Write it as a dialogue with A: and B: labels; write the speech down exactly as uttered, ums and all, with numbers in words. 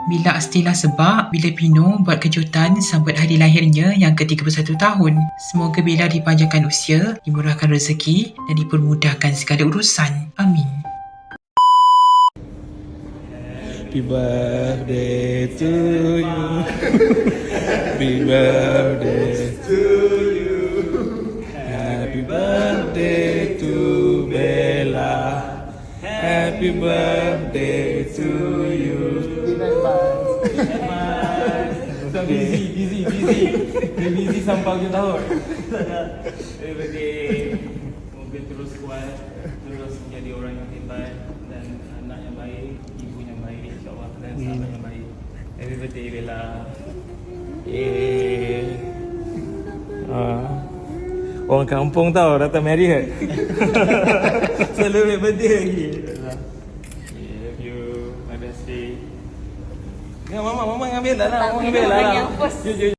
A: Bila Astila sebab bila Pino buat kejutan sambut hari lahirnya yang ke tiga puluh satu tahun. Semoga Bella dipanjangkan usia, dimurahkan rezeki dan dipermudahkan segala urusan. Amin.
B: Happy birthday to you. Happy birthday to you. Happy birthday to Bella. Happy birthday to you.
C: Busy, busy, busy. Dia busy sampai hujung tahun. Happy birthday. Semoga terus kuat, terus menjadi orang yang hebat dan anak yang baik, ibu yang baik, insyaAllah, dan sahabat yang baik. Happy birthday Bella.
B: Eh. Ah. Orang kampung tau datang marry kan.
C: Celebrate birthday lagi.
B: Love you. My best day. Ya, mama, mama ngambil dah lah. Mama ngambil
D: Orang
B: lah.
D: yang first.
B: Jom, jom.